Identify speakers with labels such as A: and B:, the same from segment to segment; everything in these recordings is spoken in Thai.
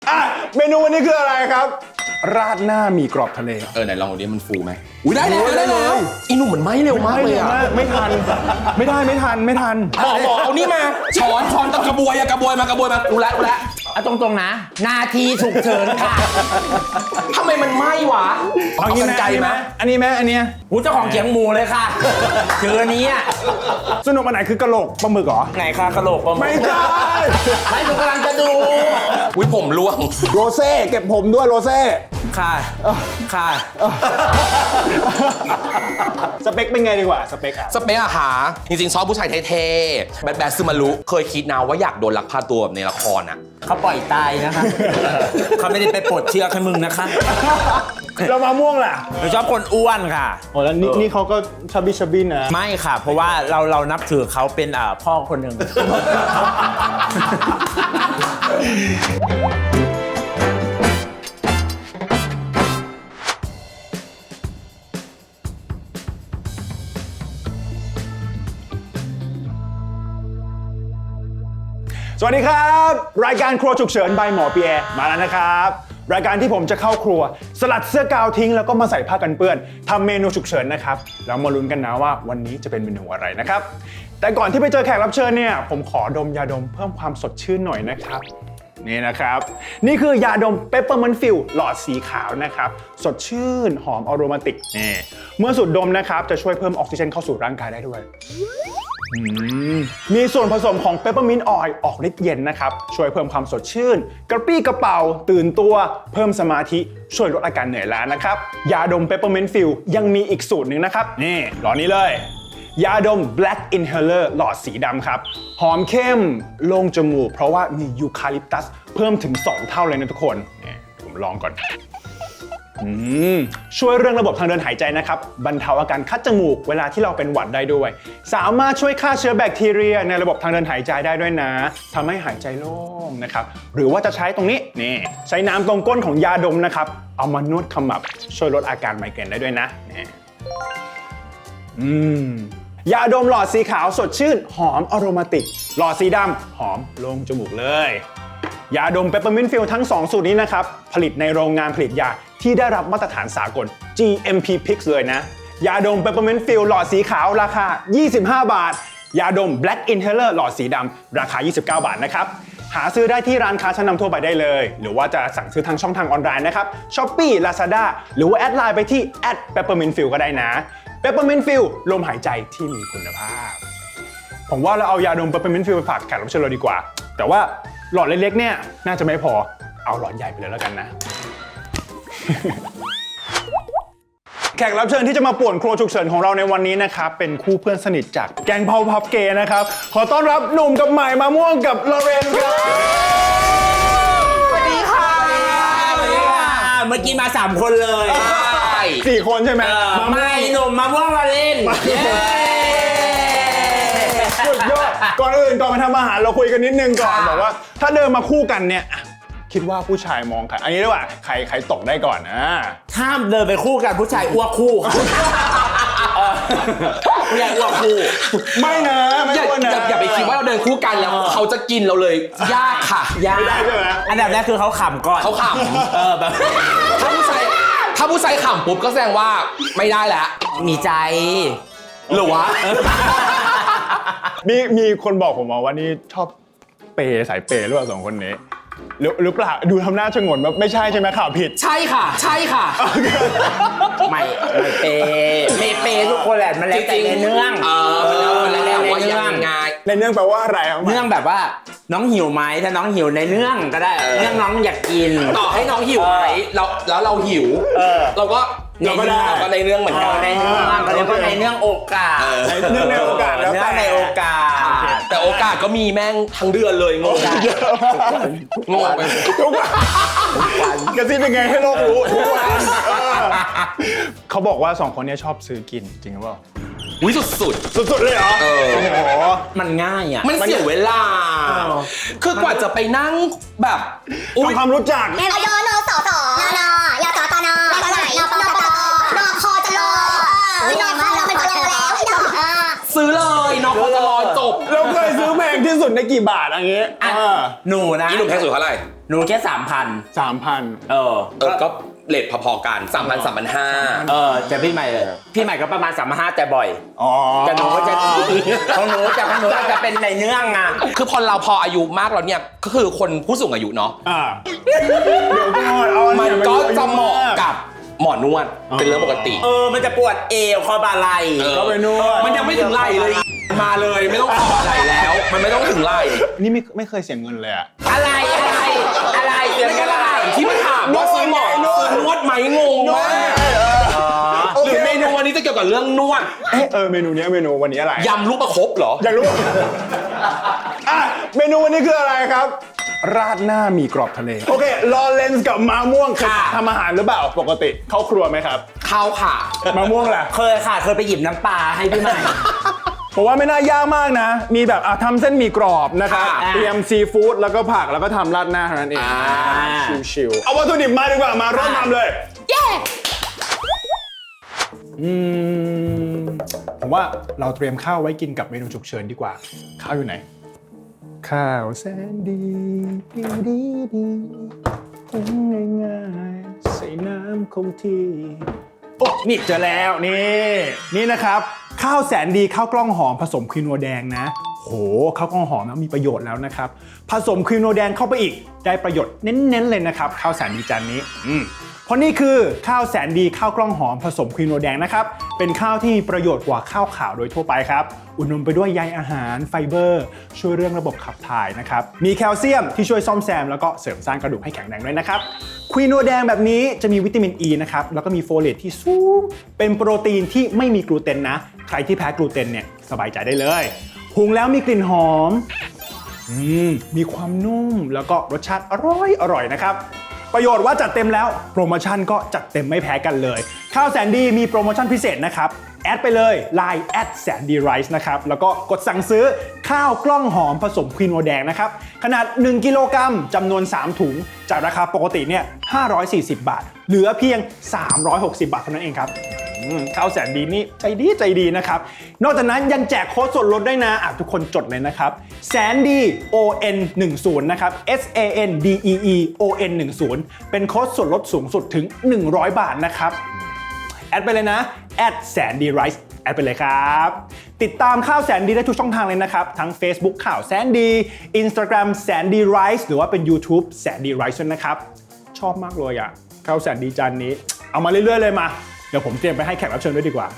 A: เมนูวันนี้คืออะไรครับราดหน้าหมี่กรอบทะเล
B: ไหนลองดูดิมันฟูไหมอุ้ยได้แล้วอีหนุ่มเหมือนไหม้เร็วมากเลยอะ
A: ไม่ทันไม่ทัน
B: หมอเอานี่มาช้อนกับกระบวยมากูแล้ว
C: เอาตรงๆนะนาทีฉุกเฉินค่ะ
B: ทำไมมันไหม้วะ
A: เอากันไกลไหมอันนี้ไหมอันเนี้ย
C: หูเจ้าของเขียงหมูเลยค่ะเจอนี้อ่ะ
A: สนุกอันไหนคือกะโหลกปลาหมึกเหรอ
C: ไหนคะกะโหลกปลาหมึก
A: ไม่ใช่
C: ไม่ผมกำลังจะดู
B: อุ้ยผมร่วง
A: โรเซ่เก็บผมด้วยโรเซ่
C: ค่ะ
A: สเปคเป็นไงดีกว่าสเปค
B: อะหาจริงๆชอบผู้ชายเท่ๆแบดซึมารุเคยคิดนะว่าอยากโดนลักพาตัวแบบในละครอะ
C: เขาปล่อยตายนะคะเขาไม่ได้ไปปลดเชือกให้มึงนะคะ
A: เรามาม่วงแหละ
C: เราชอบคนอ้วนค่ะ
A: โอ้แล้วนี่เขาก็ชบิชบินนะ
C: ไม่ค่ะเพราะว่าเรานับถือเขาเป็นพ่อคนหนึ่ง
A: สวัสดีครับรายการครัวฉุกเฉิน by หมอเปียมาแล้วนะครับรายการที่ผมจะเข้าครัวสลัดเสื้อกาวทิ้งแล้วก็มาใส่ผ้ากันเปื้อนทำเมนูฉุกเฉินนะครับแล้วมาลุ้นกันนะว่าวันนี้จะเป็นเมนูอะไรนะครับแต่ก่อนที่ไปเจอแขกรับเชิญเนี่ยผมขอดมยาดมเพิ่มความสดชื่นหน่อยนะครับนี่นะครับนี่คือยาดม Peppermint Fill หลอดสีขาวนะครับสดชื่นหอมอโรมาติกนี่เมื่อสูดดมนะครับจะช่วยเพิ่มออกซิเจนเข้าสู่ร่างกายได้ด้วยมีส่วนผสมของ Peppermint Oil ออกฤทธิ์เย็นนะครับช่วยเพิ่มความสดชื่นกระปรี้กระเป๋าตื่นตัวเพิ่มสมาธิช่วยลดอาการเหนื่อยล้านะครับยาดม Peppermint Fill ยังมีอีกสูตรหนึ่งนะครับนี่หลอดนี้เลยยาดม Black Inhaler หลอดสีดำครับหอมเข้มโล่งจมูกเพราะว่ามียูคาลิปตัสเพิ่มถึง2เท่าเลยนะทุกคนนี่ผมลองก่อนช่วยเรื่องระบบทางเดินหายใจนะครับบรรเทาอาการคัดจมูกเวลาที่เราเป็นหวัดได้ด้วยสามารถช่วยฆ่าเชื้อแบคทีเรียในระบบทางเดินหายใจได้ด้วยนะทำให้หายใจโล่งนะครับหรือว่าจะใช้ตรงนี้นี่ใช้น้ำตรงก้นของยาดมนะครับเอามานวดขมับช่วยลดอาการไมเกรนได้ด้วยนะนี่ยาดมหลอดสีขาวสดชื่นหอมอโรมาติกหลอดสีดำหอมโล่งจมูกเลยยาดม Peppermint Fill ทั้ง2สูตรนี้นะครับผลิตในโรงงานผลิตยาที่ได้รับมาตรฐานสากล GMP PIX เลยนะยาดม Peppermint Fill หลอดสีขาวราคา25 บาทยาดม Black Inhaler หลอดสีดำราคา29 บาทนะครับหาซื้อได้ที่ร้านค้าชั้นนำทั่วไปได้เลยหรือว่าจะสั่งซื้อทางช่องทางออนไลน์นะครับ Shopee Lazada หรือว่าแอดไลน์ไปที่ @peppermintfill ก็ได้นะ Peppermint Fill ลมหายใจที่มีคุณภาพผมว่าเราเอายาดม Peppermint Fill ไปฝากแขกรับเชิญเราดีกว่าแต่ว่าหลอดเล็กๆเนี่ยน่าจะไม่พอเอาหลอดใหญ่ไปเลยแล้วกันนะ แขกรับเชิญที่จะมาป่วนครัวฉุกเฉินของเราในวันนี้นะครับเป็นคู่เพื่อนสนิทจากแก๊งเผาพับเกย์นะครับขอต้อนรับหนุ่มกับใหม่มาม่วงกับลอเรนครับ
C: สวัสดีค่ะเมื่อกี้มา3คนเลย
A: 4 คนใช่ไหม
C: ไม่หนุ่มมาม่วงมาเล่น
A: สุดยอดก่อนอื่นก่อนมาทำอาหารเราคุยกันนิดนึงก่อนบอกว่าถ้าเดินมาคู่กันเนี่ยคิดว่าผู้ชายมองใครอันนี้ด้วยว่าใครตกได้ก่อน
C: ถ้าเดินไปคู่กันผู้ชายอ้วกคู่ผู้ชายอ้วกคู่
A: ไม่นะไม่อ้วนนะ
B: อย่าไปคิดว่าเราเดินคู่กันแล้วเขาจะกินเราเลยยากค่ะ
C: ยาก
A: ใช่ไหม
C: อันดับแรกคือเขาขำก่อน
B: เขาขำแบบถ้าผู้ชายขำปุ๊บก็แสดงว่าไม่ได้แล้ว
C: มีใจ
B: หรือวะ
A: มีคนบอกผมมาว่านี่ชอบเปย์สายเปย์หรือเปล่า2 คนนี้หรือเปล่าดูทำหน้าชงนแบบไม่ใช่ใช่ไหมข่าวผิด
B: ใช่ค่ะ
C: ไม่เปย์ทุกคนแหละมันแล้วแต่ในเรื่อง
B: แล้วแต่ว่ายังไง
A: ในเรื่องแปลว่าอะไรครับ
C: เรื่องแบบว่าน้องหิวไหมถ้าน้องหิวในเรื่องก็ได้เรื่องน้องอยากกิน
B: ต่อให้น้องหิวไหมแล้วเราหิวเราก็ในเรื่องเหมือนกัน
C: ในเรื่องก็เรียกว่าในเรื่องโอกาส
A: ในโอกาสแล้ว
C: แต่ในโอกาส
B: แต่โอกาสก็มีแม่งทั้งเดือนเลยงงไป
A: ทุกวันกระซิบยังไงให้โลกรู้ทุกวันเขาบอกว่า2 คนนี้ชอบซื้อกินจริงหรือเปล่าสุดเลยเหรอ
C: โอ้โหมันง่ายอ่ะ
B: มันเสียเวลาคือกว่าจะไปนั่งแบบ
A: ทำความรู้จัก
D: นยนสสนยสตนนปปนคจรนคมันก็รอแล้ว
B: ซื้อเลยน้องเขาจะรอจบ
A: เราเคยซื้อแพงที่สุดในกี่บาทอย่างเงี้ย
C: หนูนะ
B: นี่หนุ่มแพงสุดเท่าไหร่
C: หนูแค่ 3,000
A: 3,000
B: ก็เลทพอๆกัน3,000 3,500
C: แต่พี่ใหม่ก็ประมาณ3,500แต่บ่อย
A: อ๋อ
C: แต่หนูก็จะของหนูจะเป็นในเนื่องอ่ะ
B: คือพอเราพออายุมากแล้วเนี่ยก็คือคนผู้สูงอายุเนาะ
A: เดี๋ยวก่อนเอา
B: มัน
A: อย่า
B: ก็
A: ไป
B: จะเหมาะกับหมอนวดเป็นเรื่องปกติ
C: มันจะปวดเอวคอบ่าไหล่
A: ก็ไปนวด
B: มันยังไม่ถึงไหล่เลยมาเลยไม่ต้องขอไหล่แล้ว มันไม่ต้องถึงไหล่
A: นี่ไม่เคยเสียเงินเลยอะ
C: อะไรเสียงกันอะไร
B: ที่มาถามว่าซื้อหมอนนวดไหมงงมากหรือเมนูวันนี้จะเกี่ยวกับเรื่องนวด
A: เมนูนี้เมนูวันนี้อะไร
B: ยำลูกประคบเหรอ
A: อยากรู้ เมนูวันนี้คืออะไรครับ ราดหน้าหมี่กรอบทะเล โอเค ลอเรนซ์กับมะม่วงเคยทำอาหารหรือเปล่าปกติ เข้าครัวไหมครับ
B: ข้าวค่ะ
A: มะม่วงล่ะ
C: เคยไปหยิบน้ำปลาให้พี่ใหม่
A: ผมว่าไม่น่ายากมากนะ มีแบบทำเส้นหมี่กรอบนะครับ
C: ค่ะ
A: เตรียมซีฟู้ดแล้วก็ผักแล้วก็ทำราดหน้าเท่านั้นเอง ชิวๆเอาวัตถุดิบมาดีกว่ามาเริ่มทำเลย ผมว่าเราเตรียมข้าวไว้กินกับเมนูฉุกเฉินดีกว่า ข้าวอยู่ไหน ข้าวแสนดีดีหุงง่ายๆใส่น้ำคงที่โอ้นี่เจอแล้วนี่นะครับ ข้าวแสนดีข้าวกล้องหอมผสมครีมโนแดงนะโหข้าวกล้องหอมนะมีประโยชน์แล้วนะครับผสมครีมโนแดงเข้าไปอีกได้ประโยชน์เน้นๆเลยนะครับข้าวแสนดีจานนี้เพราะนี่คือข้าวแสนดีข้าวกล้องหอมผสมครีมโนแดงนะครับเป็นข้าวที่มีประโยชน์กว่าข้าวขาวโดยทั่วไปครับอุดมไปด้วยใยอาหารไฟเบอร์ช่วยเรื่องระบบขับถ่ายนะครับมีแคลเซียมที่ช่วยซ่อมแซมแล้วก็เสริมสร้างกระดูกให้แข็งแรงด้วยนะครับครีมโนแดงแบบนี้จะมีวิตามินอ e ีนะครับแล้วก็มีโฟเลตที่สูงเป็นโปรตีนที่ไม่มีกลูเตนนะใครที่แพ้กลูเตนเนี่ยสบายใจได้เลยหุงแล้วมีกลิ่นหอมมีความนุ่มแล้วก็รสชาติอร่อยนะครับประโยชน์ว่าจัดเต็มแล้วโปรโมชั่นก็จัดเต็มไม่แพ้กันเลยข้าวแสนดีมีโปรโมชั่นพิเศษนะครับแอดไปเลย Lineแสนดีไรซ์นะครับแล้วก็กดสั่งซื้อข้าวกล้องหอมผสมครีมโนแดงนะครับขนาด1กิโลกรัมจำนวน3ถุงจากราคาปกติเนี่ย540 บาทเหลือเพียง360 บาทเท่านั้นเองครับข้าวแสนดีนี่ใจดีนะครับนอกจากนั้นยังแจกโค้ดส่วนลดด้วยนะทุกคนจดเลยนะครับแสนดี ON 10นะครับ SANDEE ON 10เป็นโค้ดส่วนลดสูงสุดถึง100 บาทนะครับแอดไปเลยนะแสนดีไรซ์แอดไปเลยครับติดตามข้าวแสนดีได้ทุกช่องทางเลยนะครับทั้ง Facebook ข่าวแสนดี Instagram แสนดีไรซ์หรือว่าเป็น YouTube แสนดีไรซ์นะครับชอบมากเลยข้าวแสนดีจานนี้เอามาเรื่อยๆเลยมาเดี๋ยวผมเตรียมไปให้แขกรับเชิญด้วยดีกว่า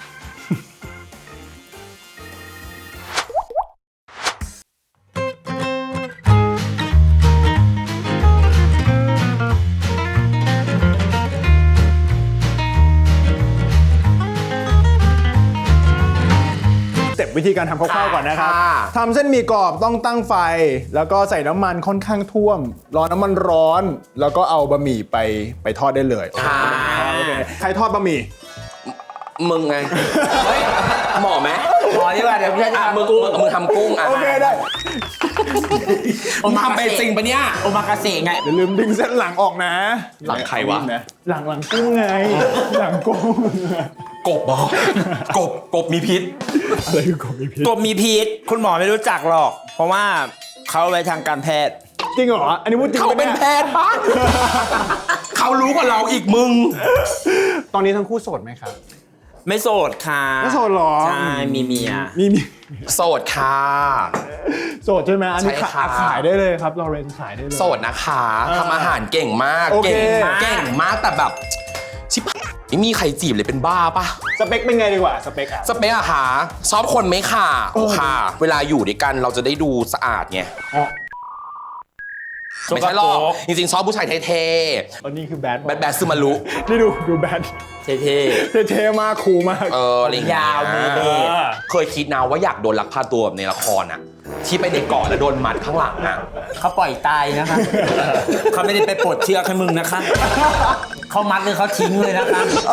A: สเต็ปวิธีการทำข้าวๆก่อนนะครับทำเส้นหมี่กรอบต้องตั้งไฟแล้วก็ใส่น้ำมันค่อนข้างท่วมรอน้ำมันร้อนแล้วก็เอาบะหมี่ไปทอดได้เลยโอเคใครทอดบะหมี่
B: มึงไงเฮ้ยหมอไหม
C: หมอดีกว่าเดี๋ยวพี่จะ
B: มึงทำกุ้ง
A: โอเคได้
B: มึงทำเป็นจริงปะเนี่ย
C: โอมากาเสะไง
A: อย่าลืมดึงเส้นหลังออกนะ
B: หลังใครวะ
A: หลังกุ้งไงหลังกุ้ง
B: กบบอกกบมีพิษ
A: อะไรคือกบมีพิษ
C: กบมีพิษคุณหมอไม่รู้จักหรอก เพราะว่าเขาไว้ทางการแพทย์
A: จริงเหรออันนี้พูดจริง
B: เขาเป็นแพทย์ปะเขารู้กว่าเราอีกมึง
A: ตอนนี้ทั้งคู่โสดไหมครับ
C: ไม่โสดค่ะ
A: ไม่โสดหรอ
C: ใช่มีเมีย
A: มี
B: โสดค่ะ
A: โสดใช่ไหมอันนี้
B: ใช่ค่ะ
A: ขายได้เลยครับเราเรนขายได้เลย
B: โสดนะคะทำอาหารเก่งมาก
A: โอเค
B: เก่งมากแต่แบบชิบไม่มีใครจีบเลยเป็นบ้าปะ
A: สเปคเป็นไงดีกว่าสเปคอะ
B: สเปคอะค่ะชอบคนไหมค่ะค่ะ เวลาอยู่ด้วยกันเราจะได้ดูสะอาดไง
A: อ๋อ
B: ไม่ใช่หรอกจริงๆชอบผู้ชายเท่
A: ตอนนี้คือแบด
B: แบดซึมารุ
A: นี่ดูแบด
C: เท่
A: เท่มากคูลมาก
B: อะไรอย่างเงี้
C: ยาวมือเบส
B: เคยคิดนะว่าอยากโดนลักพาตัวแบบในละครอะที่ไปในเกาะแล้วโดนมัดข้างหลังอะ
C: เขาปล่อยตายนะคะ เขาไม่ได้ไปปลดเชือกให้มึงนะคะ เขามัดเลยเขาทิ้งเลยนะคะ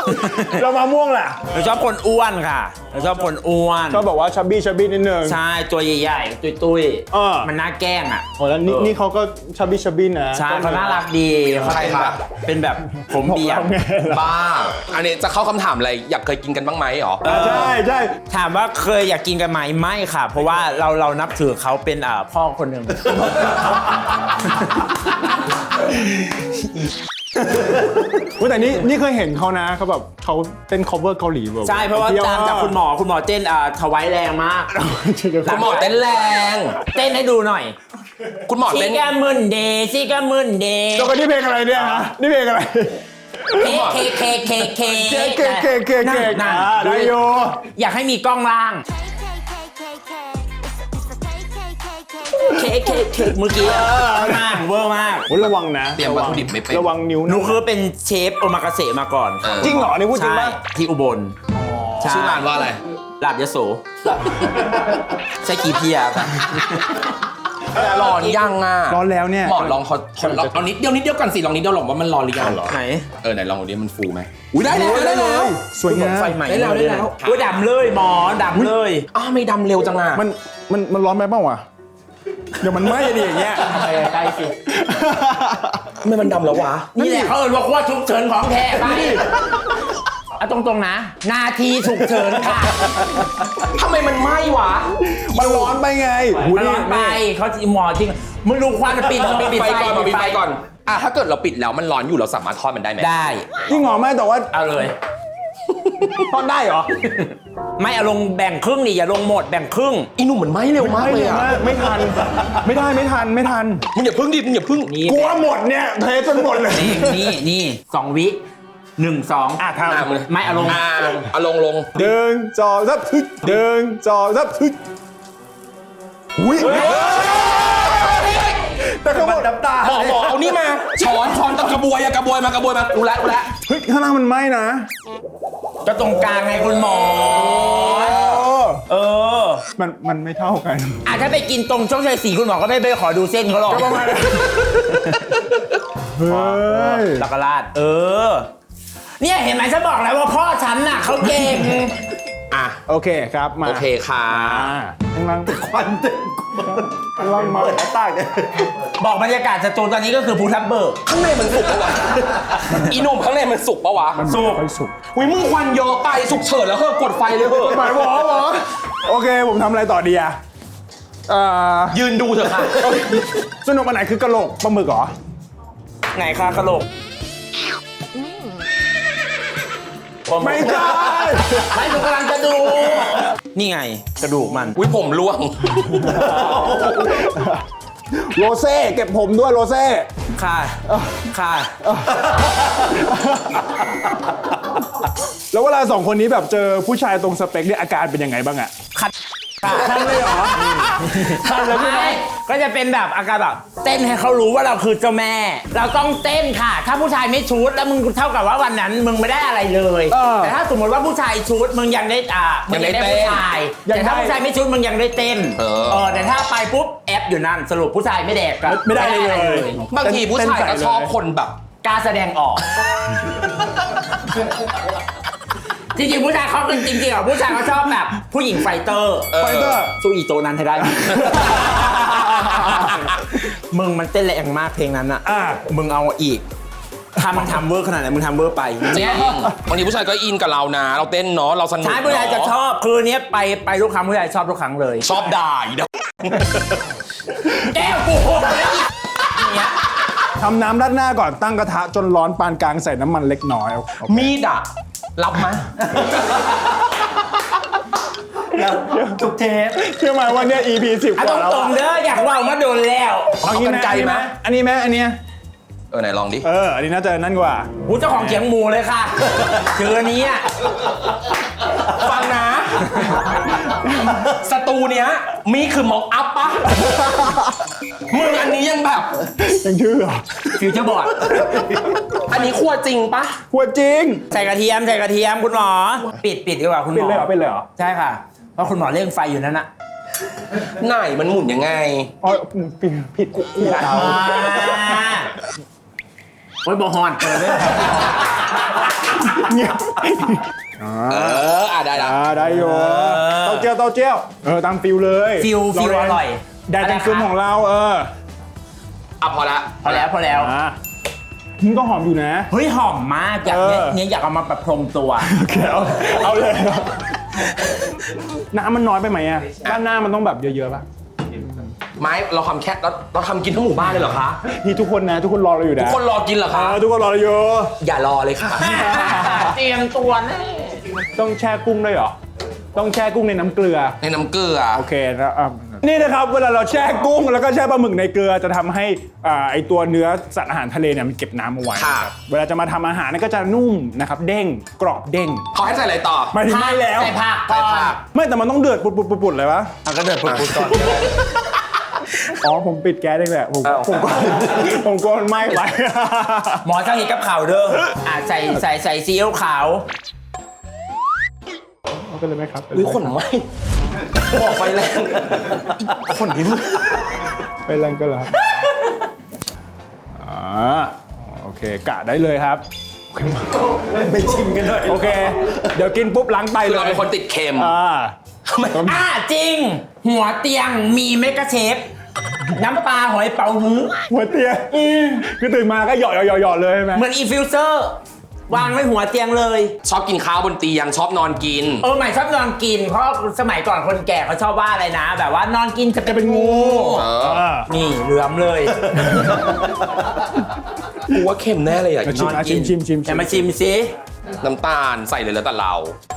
A: เรามะม่วงแหละ
C: เราชอบคนอ้วนค่ะเราชอบคนอ้วน
A: ชอบบอกว่าชับบี้นิดนึง
C: ใช่ตัวใหญ่ๆตุ้ย
A: เออ
C: มันน่าแกล้งอ่ะ
A: โอ้แล้วนี่เขาก็ชับบี้นะ
C: ใช่เขาน่ารักดีเขาเป็นแบบผมเบียร์
A: ไงล่ะ
B: บ้า อันนี้จะเข้าคำถามอะไร อยากเคยกินกันบ้างไหมหรอ
A: ใช่ใช่
C: ถามว่าเคยอยากกินกันไหมไม่ค่ะ เพราะว่าเรานับถือเขาเป็นพ่อคนหนึ่ง
A: แต่นี่เคยเห็นเขานะเขาแบบเขาเต้น cover เกาหลีแบบ
C: ใช่เพราะว่าตามจากคุณหมอเต้นถวายแรงมาก
B: คุณหมอเต้นแรง
C: เต้นให้ดูหน่อย
B: คุณหมอ
C: ซิ
B: เต้น
C: กามุนเดย์ซิกามุนเดย์
A: แล้วก็นี่เพลงอะไรเนี่ยฮะนี่เพลงอะไร
C: เค
A: เก่ง
C: นั่น
A: ได้โย
C: อยากให้มีกล้องล่างเคเมื่อกี้มากเวอร์มาก
A: โอ้ระวังนะ
B: เตรียมวัตถุดิบไม่เป็น
A: ระวังนิ้ว
C: หนูคือเป็นเชฟโอมากาเสะมาก่อน
A: จริงเหรอนี่พูดจริง
C: ใช่
A: ป่ะ
C: ที่อุบลใ
B: ชื่อร้านว่าอะไร
C: ลาบยโสใช่กีเพียครับ
B: ร้อนยังอ่ะ
A: ร้อนแล้วเนี่ย
B: หมอลองเอานิดเดียวก่อนสิ ลองนิดเดียวหรอกว่ามันร้อนหรือยัง
C: ไหน
B: ไหนลองดูดิมันฟูไหมอุ้ยได้แล้ว
A: สวยงาม
C: ไฟใหม่
B: ได้แล้ว
C: ว่าดำเลยหมอดำเลย
B: อ้าวไม่ดำเร็วจังอ่ะ
A: มันร้อนไปเปล่าวะเดี๋ยวมันไหม้ดิอย่างเงี้ย
C: ไปใกล้สิ
B: ทำไมมันดำแล้ววะ
C: นี่แหละเขาเอ่ยว่าว่าฉุกเฉินของแท้ไปเอาตรงๆนะ นาทีฉุกเฉินค่ะ
B: ทำไมมันไหม้วะ
A: มันร้อนไปไง
C: มันร้อนไปเขาหมอจริงมึงดูควันปิด
B: ปิดไฟก่อนอ่ะถ้าเกิดเราปิดแล้วมันร้อนอยู่เราสามารถทอดมันได้ไหม
C: ได้
A: จริงเหรอไม่แต่ว่า
C: เอาเลย
A: ทอดได้เหรอ
C: ไม่เอาลงแบ่งครึ่งนี่อย่าลงหมดแบ่งครึ่ง
B: อีหนุ่มมันไหม้เร็วมากเลยอ่ะ
A: ไม่ทันไม่ทัน
B: มึงอย่าพึ่งดิมึงอย่าพึ่ง
C: นี่
A: กลัวหมดเนี่ยเทจนหมดเลย
C: นี่2 วิ1 2
A: อ่ะทำ
C: ไม่เอาลง
B: เอาลง
A: เดินจอซับทึกเดินจอซับทึกอุ้ยแต่ก็หมดน้ำตา
B: หมอเอานี่มาช้อนกับกระบวยมากูละ
A: เฮ้ยข้างล่างมันไหม้นะ
C: ก็ตรงกลางไงคุณหมอ เออ
A: มันไม่เท่ากัน
C: ถ้าไปกินตรงช่องชัย4คุณหมอก็ไม่ไปขอดูเส้นเขาหรอก
A: ก็ประมาณนั้น เฮ้ย
C: แล้วก็ราดเนี่ยเห็นไหมฉันบอกแล้วว่าพ่อฉันน่ะเขาเก่ง
B: อ่ะ
A: โอเคครับมา
B: โอเคค่ะ
A: ข้างล่างควันเต็มข้างล่างมาเปิดหน้าต่างเนี่ย
C: บอกบรรยากาศสตูตอนนี้ก็คือภูทับเบิก
B: ข้างในมันสุกปะวะ อีหนุ่มข้างในมันสุกปะวะ
A: สุก
B: อุ้ยมึงควันเยอะไปสุกเฉินแล้วกดไฟเลยเหอะ
A: หมายหมอโอเคผมทำอะไรต่อดีอะ
B: ยืนดูเถอะค่ะ
A: สนุกอันไหนคือกระโหลกปลาหมึกเหรอ
C: ไงคะกะโหลก
A: ไม่ใช่
C: ไม่หนูกำลังจะดู นี่ไงกระดูกมัน
B: อุ้ยผมร่วง
A: โรเซ่เก็บผมด้วยโรเซ่
C: ค่ะค่ะ
A: แล้วเวลาสองคนนี้แบบเจอผู้ชายตรงสเปคเนี่ยอาการเป็นยังไงบ้างอะ
C: ขัดท่านเลยเหรอท่านแล้วไม่ก็จะเป็นแบบอาการแบบเต้นให้เขารู้ว่าเราคือเจ้าแม่ เราต้องเต้นค่ะ ถ้าผู้ชายไม่ชุดแล้วมึงเท่ากับว่าวันนั้นมึงไม่ได้อะไรเลย แต่ถ้าสมมติว่าผู้ชายชุดมึงยังได้มึงยังได้ผู้ชายแต่ถ้าผู้ชายไม่ชุดมึงยังได้เต้นแต่ถ้าไปปุ๊บแอปอยู่นั่นสรุปผู้ชายไม่แดกกัน
A: ไม่ได้เลย
B: บางทีผู้ชายก็ชอบคนแบบ
C: กล้าแสดงออก จริงๆผู้ชายเขาเป็นจริงๆอ่ะผู้ชายเขาชอบแบบผู้หญิงไฟเตอร์สู้อีโตนั้นให้ได้ มึงมันเต้นแรงมากเพลงนั้นอ่ะมึงเอาอีกถ้ามันทำเวอร์ขนาดไหนมึงทำเวอร์ไป
B: จริงบางทีผู้ชายก็อินกับเรานะ เราเต้นเนาะเราสนุก
C: ใช่ผู้ชายจะชอบคือเนี้ยไปทุกครั้งผู้ชายชอบทุกครั้งเลย
B: ชอบด่าอีเด้อ
C: แก้วกูเนี่ย
A: ทำน้ำราดหน้าก่อนตั้งกระทะจนร้อนปานกลางใส่น้ำมันเล็กน้อย
B: มีดอะรับไหม
C: ทุกเทป
A: เชื่อไหมว่าเนี่ย EP 10 ก
C: ต
A: ว่าแล้ว
C: รงๆเด้ออยากว่ามาโดนแล้ว
A: เอางี้ไหมอันนี้ไหมอันเนี้ย
B: ไหนลองดิ
A: อันนี้น่าจะนั่นกว่า
C: กูเจ้าของเขียงหมูเลยค่ะเจอนี้อ่ะ
B: ฟังนะ สตูเนี้ยมีคือม็อกอัพปะมึงอันนี้ยังแบบ
A: ยังชื่อเหรอ
C: ฟิวเจอร์บอร์ด
B: อันนี้คั่วจริงปะ
A: หัวจริง
C: ใส่กระเทียมคุณหมอปิดดีกว่าคุณหมอ
A: เป็นเลยเหรอ
C: ใช่ค่ะเพราะคุณหมอเร่งไฟอยู่นั่นน่ะ
B: ไหนมันหมุนยังไง
A: อ๋อผิดกู
C: โอ้ยบอฮอนเปิดเลย
A: เงียบ
B: ได้ละ
A: ได้อยู่เต้าเจี้ยวตามฟิลเลย
C: ฟิลอร่อย
A: แดดเป็นฟิลของเรา
B: พอละ
C: พอแล้ว
A: มึงก็หอมอยู่นะ
C: เฮ้ยหอมมากอยากเนี่ยอยากเอามาประพรมตัว
A: โอเคเอาเลยน้ำมันน้อยไปไหมอ่ะด้านหน้ามันต้องแบบเยอะๆป่ะ
B: ไม้เราทำแค่เราทำกินทั้งหมู่บ้านเลยเหรอคะ
A: นี่ทุกคนนะทุกคนรอเราอยู่นะ
B: ทุกคนรอกินเหรอคะ
A: ทุกคนรอเราอยู่
B: อย่ารอเลยค่ะ
C: เตรียมตัวแน่
A: ต้องแช่กุ้งด้วยเหรอต้องแช่กุ้งในน้ำเกลือ
B: ในน้ำเกลือ
A: โอเคแล้วนี่นะครับเวลาเราแช่กุ้งแล้วก็แช่ปลาหมึกในเกลือจะทำให้ไอตัวเนื้อสัตว์อาหารทะเลเนี่ยมันเก็บน้ำเอาไว้
B: ค่ะ
A: นะครับเวลาจะมาทำอาหารก็จะนุ่มนะครับเด้งกรอบเด้ง
B: เขาให้ใส่อะไรต่อ
A: หมายถึงไม่แล้ว
C: ใส่ผักก่อน
A: ไม่แต่มันต้องเดือดปุดๆเลยวะ
C: ก็เดือดปุดๆก่อน
A: อ๋อผมปิดแก๊สได้แหละผมกลัวมันไหม้ไป
C: หมอช่างเห็นกับข่าวเด้อใส่ซีอิ๊วขาว
A: เอาไปเลยไหมครับ
B: อุ้ยขนไหมบอกไฟแรงขนนี้
A: ไปแรงก็แล้วโอเคกะได้เลยครับไม่ชิมกันเลยโอเคเดี๋ยวกินปุ๊บล้างไตเลย
B: เราเป็นคนติดเค็ม
C: จริง หัวเตียงมีเมกะเชฟน้ำปลาหอยเป๋าฮื้อ
A: หัวเตียงคือตื่นมาก็หยอดเลยใช่ไหม
C: เหมือนอีฟิวเซอร์วางไว้หัวเตียงเลย
B: ชอบกินข้าวบนเตียงชอบนอนกิน
C: ใหม่ชอบนอนกินเพราะสมัยก่อนคนแก่เขาชอบว่าอะไรนะ แบบว่านอนกินจะเป็นงู นี่เหลือมเลย
B: กูว่าเค็มแน่เลยอ่ะ
A: ชิม
C: แต่มาชิมสิ
B: น้ำตาลใส่เลยแล้วแต่เรา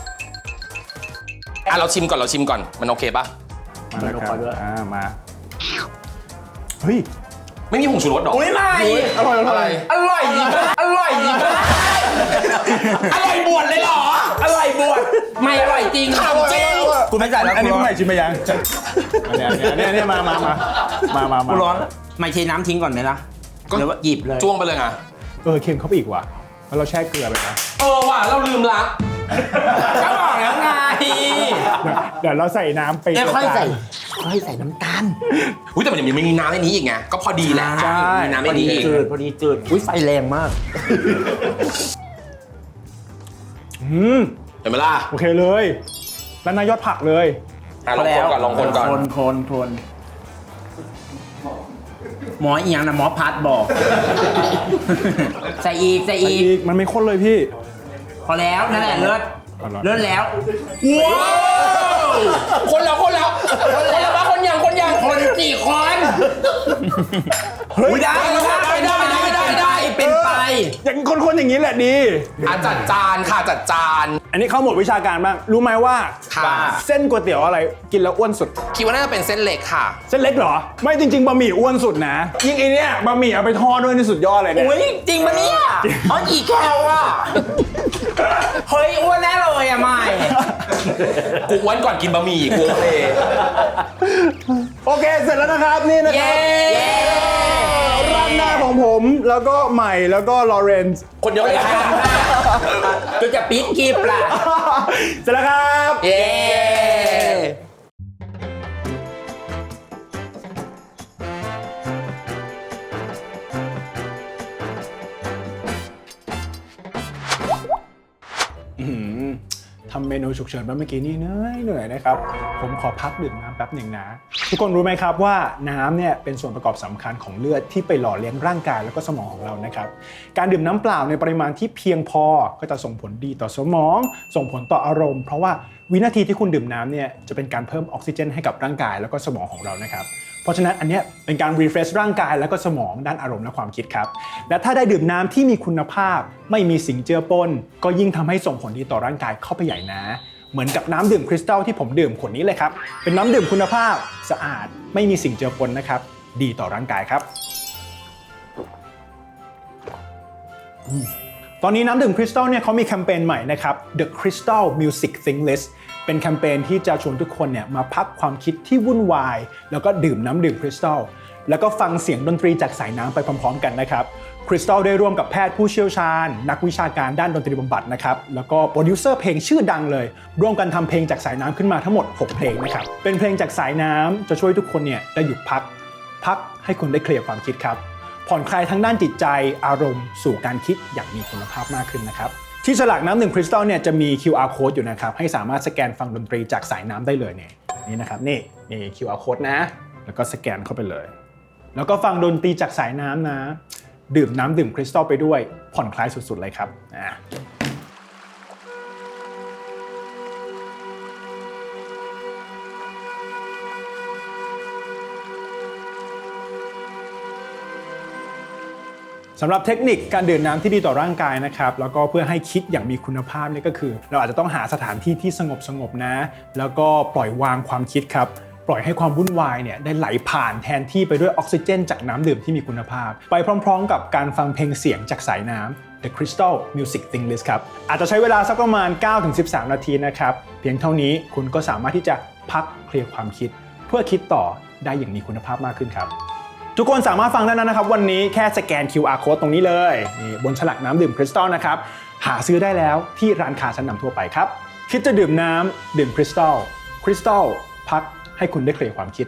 B: เราชิมก่อนมันโอเคปะ
A: มาแล้วครับมาเฮ้ย
B: ไม่มีผงชูรสหรอ
C: อุ้ยไม่
A: อร่อย
C: อร่อยดีมากอร่อยดีมาก
B: อร่อยบวชเลยเหรอ
C: อร่อยบวชไม่อร่อยจริงจริงกูไม่ใส่แล้ว
A: อันนี้ผู้ใหม่ชิมไปยังเนี่ยมา
C: กูร้อนไม่ใช้น้ำทิ้งก่อนไหมล่ะหรือว่าหยิบเลย
B: จ้วงไปเลยไง
A: เค็มเข้าไปอีกว่ะแล้วเราแช่เกลือไปนะ
B: ว่ะเราลืมละ
C: ก็บอกแล้วไง
A: เดี๋ยวเราใส่น้ำไป
C: เดี๋ยวค่อยใส่น้ำตาล
B: อุ้ยแต่มันยังมีน้ำในนี้อีกไงก็พอดีแหละมีน้ำในนี้อีก
C: พอดีจืดอุ้ยไฟแรงมาก
B: เห็นไหมล่ะ
A: โอเคเลยแล้วนายยอดผักเลย
B: ลองคนก่อน
C: คนหมออีหยังนะหมอพัดบอก ใส่อีก
A: มันไม่ข้นเลยพี่
C: พอแล้วนั่นแหละเลิศแล้วว้าว
B: คนแล้วว่าคนยัง
C: คนกี่คนได้เป็นไป
A: อย่างคนอย่างนี้แหละดี
B: จัดจานค่ะจัดจาน
A: อันนี้เข้าหมดวิชาการบ้างรู้ไหมว่า
B: ค่ะ
A: เส้นก๋วยเตี๋ยวอะไรกินแล้วอ้วนสุด
B: คิดว่าน่าจะเป็นเส้นเล็กค่ะ
A: เส้นเล็กเหรอไม่จริงๆบะหมี่อ้วนสุดนะยิ่งไอเนี้ยบะหมี่เอาไปทอดด้วยนี่สุดยอดเลยเนี่ย
C: อุ้ยจริงปะเนี่ยอ๋อกี่แคลอ่ะเฮ้ยอ้วนแน่เลยอะไม่
B: กูอ้วนก่อนกินบะหมี่กูโอเค
A: โอเคเสร็จแล้วนะครับนี่นะครับร้านหน้าของผมแล้วก็ใหม่แล้วก็ลอเรนซ์
B: คนเดียวเลยค่ะ
C: ก็จะปิดกีบล่ะ
A: เสร็จแล้วครับ
C: เย้
A: ทำเมนูฉุกเฉินเมื่อกี้นี่เหนื่อยนะครับผมขอพักดื่มน้ำแป๊บหนึ่งนะทุกคนรู้ไหมครับว่าน้ำเนี่ยเป็นส่วนประกอบสำคัญของเลือดที่ไปหล่อเลี้ยงร่างกายแล้วก็สมองของเรานะครับการดื่มน้ำเปล่าในปริมาณที่เพียงพอก็จะส่งผลดีต่อสมองส่งผลต่ออารมณ์เพราะว่าวินาทีที่คุณดื่มน้ำเนี่ยจะเป็นการเพิ่มออกซิเจนให้กับร่างกายแล้วก็สมองของเรานะครับเพราะฉะนั้นอันเนี้ยเป็นการ refresh ร่างกายแล้วก็สมองด้านอารมณ์และความคิดครับและถ้าได้ดื่มน้ำที่มีคุณภาพไม่มีสิ่งเจือปนก็ยิ่งทำให้ส่งผลดีต่อร่างกายเข้าไปใหญ่นะเหมือนกับน้ำดื่มคริสตัลที่ผมดื่มขวดนี้เลยครับเป็นน้ำดื่มคุณภาพสะอาดไม่มีสิ่งเจือปนนะครับดีต่อร่างกายครับตอนนี้น้ำดื่มคริสตัลเนี่ยเขามีแคมเปญใหม่นะครับ The Crystal Music Think List เป็นแคมเปญที่จะชวนทุกคนเนี่ยมาพักความคิดที่วุ่นวายแล้วก็ดื่มน้ำดื่มคริสตัลแล้วก็ฟังเสียงดนตรีจากสายน้ำไปพร้อมๆกันนะครับคริสตัลได้ร่วมกับแพทย์ผู้เชี่ยวชาญนักวิชาการด้านดนตรีบำบัดนะครับแล้วก็โปรดิวเซอร์เพลงชื่อดังเลยร่วมกันทำเพลงจากสายน้ำขึ้นมาทั้งหมด6เพลงนะครับเป็นเพลงจากสายน้ำจะช่วยทุกคนเนี่ยได้หยุดพักให้คุณได้เคลียร์ความคิดครับผ่อนคลายทั้งด้านจิตใจอารมณ์สู่การคิดอย่างมีคุณภาพมากขึ้นนะครับที่ฉลากน้ำดื่มคริสตัลเนี่ยจะมี QR code อยู่นะครับให้สามารถสแกนฟังดนตรีจากสายน้ำได้เลยเนี่ยนี่นะครับนี่ QR code นะแล้วก็สแกนเข้าไปเลยแล้วก็ฟังดนตรีจากสายน้ำนะดื่มน้ำดื่มคริสตัลไปด้วยผ่อนคลายสุดๆเลยครับสำหรับเทคนิคการดื่มน้ำที่ดีต่อร่างกายนะครับแล้วก็เพื่อให้คิดอย่างมีคุณภาพนี่ก็คือเราอาจจะต้องหาสถานที่ที่สงบนะแล้วก็ปล่อยวางความคิดครับปล่อยให้ความวุ่นวายเนี่ยได้ไหลผ่านแทนที่ไปด้วยออกซิเจนจากน้ำดื่มที่มีคุณภาพไปพร้อมๆกับการฟังเพลงเสียงจากสายน้ำ The Crystal Music Thing List ครับอาจจะใช้เวลาสักประมาณ 9-13 นาทีนะครับเพียงเท่านี้คุณก็สามารถที่จะพักเคลียร์ความคิดเพื่อคิดต่อได้อย่างมีคุณภาพมากขึ้นครับทุกคนสามารถฟังได้แล้วนะครับวันนี้แค่สแกน QR code ตรงนี้เลยนี่บนฉลากน้ำดื่มคริสตัลนะครับหาซื้อได้แล้วที่ร้านค้าชั้นนำทั่วไปครับคิดจะดื่มน้ำดื่มคริสตัลพักให้คุณได้เคลียร์ความคิด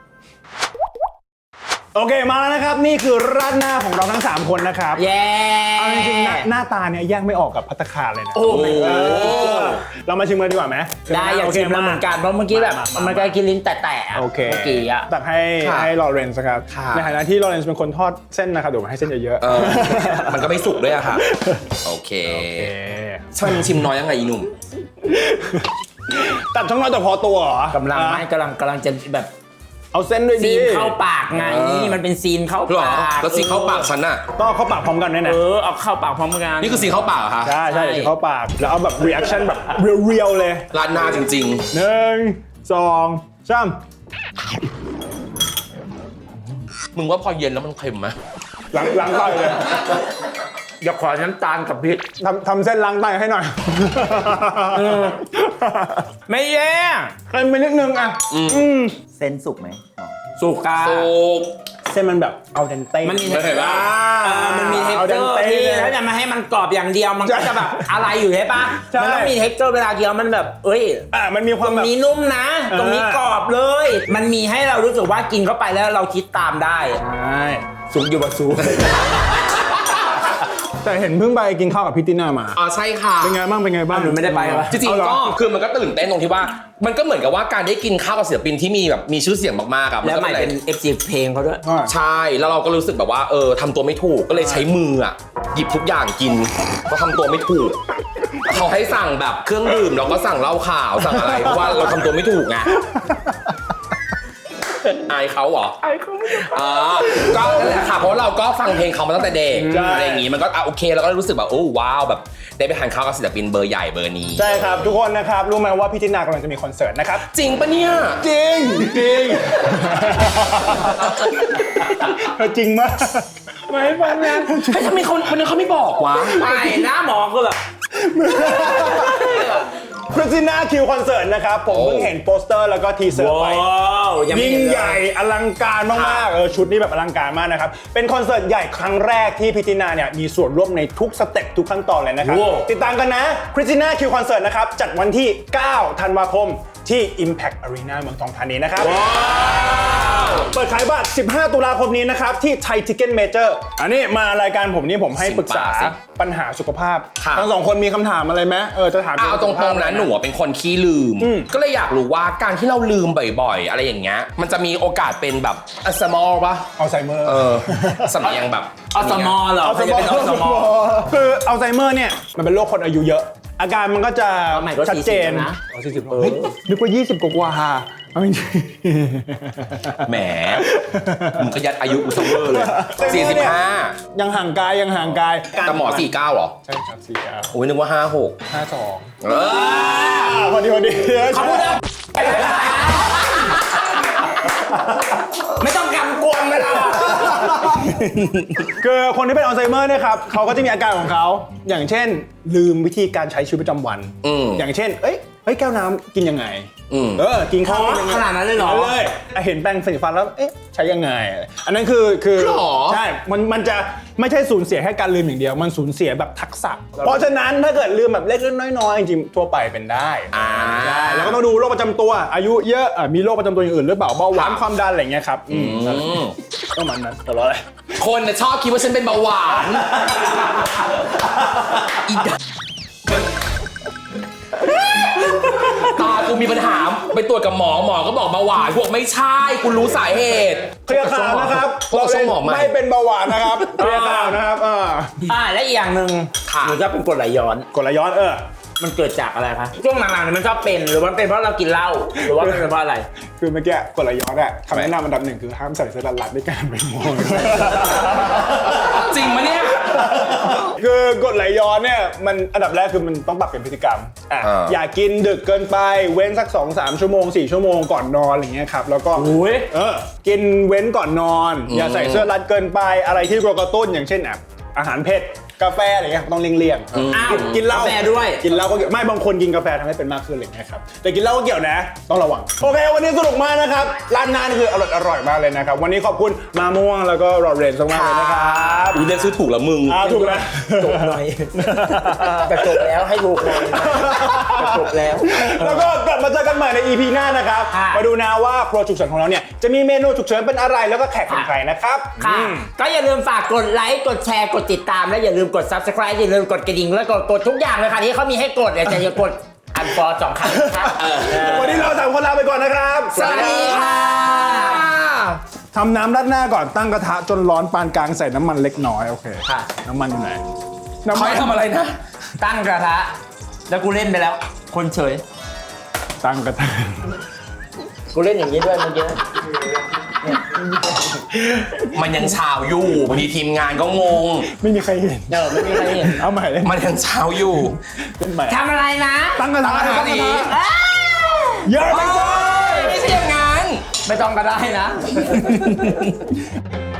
A: โอเคมาแล้วนะครับนี่คือราดหน้าของเราทั้ง3คนนะครับ
C: เย้
A: เอาจริงๆหน้าตาเนี่ยแยกไม่ออกกับภัตตาคารเลยนะ
C: โอ้โห
A: เรามาชิมกันดีกว่าไหม
C: ได้อยากชิมแล้วเหมือนกันเพราะเมื่อกี้แบบมันก็กินลิ้นแตะๆ
A: โอเค
C: เมื่อกี้อะ
A: ตักให้ลอเรนซ์ครับในฐานะที่ลอเรนซ์เป็นคนทอดเส้นนะครับเดี๋ยวผมให้เส้นเยอะๆ
B: มันก็ไม่สุกด้วยอะค่ะโอเคชิมน้อยยังไงอีหนุ่ม
A: ตัดช่องน้อยแต่พอตัวเหรอก
C: ำลังจะแบบ
A: เอาเส้นด้วยดิ
C: ซีนเข้าปากไงมันเป็นซีนเข้า
B: หรอ
C: ปาก
B: แล้วซีนเข้าปากฉันน่ะ
A: ต้องเอาเข้าปากพร้อมกันด้วยนะ
C: เอาเข้าปากพร้อมกัน
B: นี่คือซีนเข้าปากเหรอคะ
A: ใช่เดี๋ยวเข้าปากแล้วเอาแบบ reaction แบบเรียวๆเลย
B: ราดหน้าจริง
A: 1 2 3
B: ๆ มึงว่าพอเย็นแล้วมันเค็มไหม
A: ล้างไตเลย
C: อย่าขอน้ำตาลกับพริก
A: ทำเส้นล้างไตให้หน่อย
C: ไม่แย่
A: เค็มไปนิดนึงอ่ะ
E: เส้นสุกไหมอ๋อ
C: สุกา
B: สุก
A: เส้นมันแบบเอาเดนเต้
C: มันมี
B: เห็นปะ
C: มันมีเท็ก
A: เอา
C: เจ
A: เด
C: อน ร์
A: เต้
C: ที่ถ้าจะมาให้มันกรอบอย่างเดียวมันก็จะแบบอะไรอยู่ใช่ปะ
A: ใช่
C: มันต้องมีเท็กเจอร์เวลาเคี้ยวมันแบบเอ้ย
A: มันมีความ
C: ตร
A: แบ
C: ง
A: บ
C: นี้นุ่มนะ ตรงนี้กรอบเลย มันมีให้เรารู้สึกว่ากินเข้าไปแล้วเราคิดตามได้
A: ใช่สุกอยู่บะซุกแต่เห็นเพิ่งไปกินข้าวกับพี่ติน่ามา
B: อ๋อใช่ค่ะ
A: เป็นไงบ้าง
C: หนูไม่ได้ไปเหรอ
B: จริงๆก็คือมันก็ตื่นเต้นตรงที่ว่า มันก็เหมือนกับว่าการได้กินข้าวกับศิลปินที่มีแบบมีชื่อเสียงมากๆอะ
C: แล้วใหม่
B: ก็
C: เป็น FC เพลงเขาด้วย
B: ใช่แล้วเราก็รู้สึกแบบว่าทำตัวไม่ถูกก็เลยใช้มืออะหยิบทุกอย่างกินก็ทำตัวไม่ถูกเขาให้สั่งแบบเครื่องดื่มเราก็สั่งเหล้าขาวสั่งอะไรเพราะว่าเราทำตัวไม่ถูกไงอายเขาเหรออายเขาก็นั่นแหละค่ะเพราะเราก็ฟังเพลงเขามาตั้งแต่เด็กอะไรอย่างงี้มันก็โอเคเราก็รู้สึกแบบโอ้ว้าวแบบได้ไปทานข้าวกับศิลปินเบอร์ใหญ่เบอร์นี้
A: ใช่ครับทุกคนนะครับรู้ไหมว่าพี่ติน่ากำลังจะมีคอนเสิร์ตนะครับ
B: จริงปะเนี่ย
A: จริงจริงจริงมากไม่ฟังนะ
B: เฮ้ยทำไมคนนี้เขาไม่บอกวะ
C: ไม่หน้าหมอคือแบบ
A: คริสติน่าคิวคอนเสิร์ตนะครับผมเพิ่งเห็นโปสเตอร์แล้วก็ทีเซอร์ไป ยิ่งใหญ่อลังการมากๆชุดนี้แบบอลังการมากนะครับเป็นคอนเสิร์ตใหญ่ครั้งแรกที่พิตินาเนี่ยมีส่วนร่วมในทุกสเต็ปทุกขั้นตอนเลยนะครับติดตามกันนะคริสติน่าคิวคอนเสิร์ตนะครับจัดวันที่ 9 ธันวาคมที่ Impact Arena เมืองทองธานีนะครับเปิดขายบัตร 15 ตุลาคมนี้นะครับที่ Thai Ticket Major อันนี้มารายการผมนี่ผมให้ปรึกษาปัญหาสุขภาพทั้งสองคนมีคำถามอะไรไหมจะถาม
B: เอาตรงๆนะหนูเป็นคนขี้ลืม ก็เลยอยากรู้ว่าการที่เราลืมบ่อยๆ อะไรอย่างเงี้ยมันจะมีโอกาสเป็นแบบอัลไซเมอร์ปะ
A: อัลไซเมอร์
B: สำเนียงแบบ
C: อสมอเหรอ
A: อัลไซเมอร์
C: อสมอ
A: คืออัลไซเมอร์เนี่ยมันเป็นโรคคนอายุเยอะ อาการมันก็จะ
C: ใหม่ก็
A: ชัดเจน
C: 40นะ
A: 40เฮ้ยนึกว่า20กว่าเอาจริง
B: แหมมึงก็ยัดอายุกูซัมเมอร์เลย 45
A: ยังห่างกาย
B: แต่หมอ 49เหรอ
A: ใช่ครับ49
B: โอ้ยนึกว่า 56
A: พอดี
C: เขาพูดได้ไม่ต้องกำกวมเลยล่ะ
A: คือคนที่เป็นอัลไซเมอร์เนี่ยครับเขาก็จะมีอาการของเขาอย่างเช่นลืมวิธีการใช้ชีวิตประจำวันอย่างเช่นเฮ้ยแก้วน้ำกินยังไงกินข้าวยังไง
C: ขนาดนั้นเลยเหรอ
A: เลยเห็นแปรงสีฟันแล้วใช้ยังไงอันนั้นคือใช่มันจะไม่ใช่สูญเสียแค่การลืมอย่างเดียวมันสูญเสียแบบทักษะเพราะฉะนั้นถ้าเกิดลืมแบบเล็กๆน้อยๆจริงๆทั่วไปเป็นได้ใช่แล้วก็ต้องดูโรคประจำตัวอายุเยอะมีโรคประจำตัวอย่างอื่นหรือเปล่าเบาหวานความดันอะไรเงี้ยครับประมาณนั้นแต่ว่าอะไร
B: คนน่ะชอบคิดว่าฉันเป็นเบาหวานอีดตากูมีปัญหาไปตรวจกับหมอก็บอกเบาหวานพวกไม่ใช่กูรู้สาเหตุ
A: เคลียร์ข่าวนะครับ
B: พวกช่องหมอไหม
A: ไม่เป็นเบาหวานนะครับเคลียร์ข่าวนะครับ
C: และอีกอย่างหนึ่ง
B: ค่ะ
C: หนูจะเป็นกรดไหลย้อน
A: กดไหลย้อน
C: มันเกิดจากอะไรคะช่วงหลังๆเนี่ยมันชอบเป็นหรือมันเป็นเพราะเรากินเหล้าหรือว่ามันเป็นเพราะอะไร
A: คือเมื่อกี้กดไหลย้อนคำแนะนำอันดับหนึ่งคือห้ามใส่เสื้อรัดๆในการไปมอง
B: จริงมะเนี่ย
A: คือกดไหลย้อนเนี่ยมันอันดับแรกคือมันต้องปรับเป็นพฤติกรรมอย่ากินดึกเกินไปเว้นสัก 2-3 ชั่วโมง 4 ชั่วโมงก่อนนอนอะไรเงี้ยครับแล้วก็กินเว้นก่อนนอน อย่าใส่เสื้อรัดเกินไปอะไรที่กระตุ้นอย่างเช่นอาหารเผ็ดกาแฟอะไรเงี้ยต้องเลี่ยงๆกินเหล้าก
C: าแฟด้วย
A: กินเหล้าก็เกี่ยวไม่บางคนกินกาแฟทำให้เป็นมากขึ้นอะไรเงี้ยครับแต่กินเหล้าก็เกี่ยวนะต้องระวังโอเควันนี้สนุกมากนะครับร้านนั้นคืออร่อยมากเลยนะครับวันนี้ขอบคุณมาม่วงแล้วก็รอเรนซ์มากเลยนะครับ
B: เรียกชื่อถูกแล้วมึง
A: ถูกแล้ว
C: จบหน่อยแต่จบแล้วให้ถูกหน่อยแต่จบแล้ว
A: แล้วก็กลับมาเจอกันใหม่ใน EP หน้านะครับ
C: ค่ะ
A: มาดูนะว่าครัวฉุกเฉินของเราเนี่ยจะมีเมนูฉุกเฉินเป็นอะไรแล้วก็แขกเป็นใครนะครับ
C: ค่ะก็อย่าลืมฝากกดไลค์กดแชร์กดติดตามและอย่าลืมกด Subscribe อย่าลืมกดกระดิ่งแล้วกดทุกอย่างเลยค่ะที่เขามีให้กดแต่อย่ากดอันฟอร์2 ครั้งนะครับ
A: วันนี้เราสามคนลาไปก่อนนะครับ
C: สวัสดีค่ะ
A: ทำน้ำราดหน้าก่อนตั้งกระทะจนร้อนปานกลางใส่น้ำมันเล็กน้อยโอเค
C: ค่ะ
A: น้ำมันอยู่ไหนน้ำ
B: เขา
A: มัน
B: ให้ทำอะไรนะ
C: ตั้งกระทะแล้วกูเล่นไปแล้ว คนเฉย
A: ตั้งกระทะ
C: กูเล่นอย่างนี้ด้วยเมื่อกี้
B: มันยังเช้าอยู่บางทีทีมงานก็งง
A: ไม่มีใครเห็น
C: ไม่มีใครเห็น
A: เอาใหม่เลย
B: มันยังเช้าอยู่
A: เป็นใหม่
C: ทำอะไรนะ
A: ตั้งกระทะ
B: ตั้งกระทะนี้
A: เยอะไป
B: ไม่ใช่อย่างนั้น
C: ไม่ต้องก็ได้นะ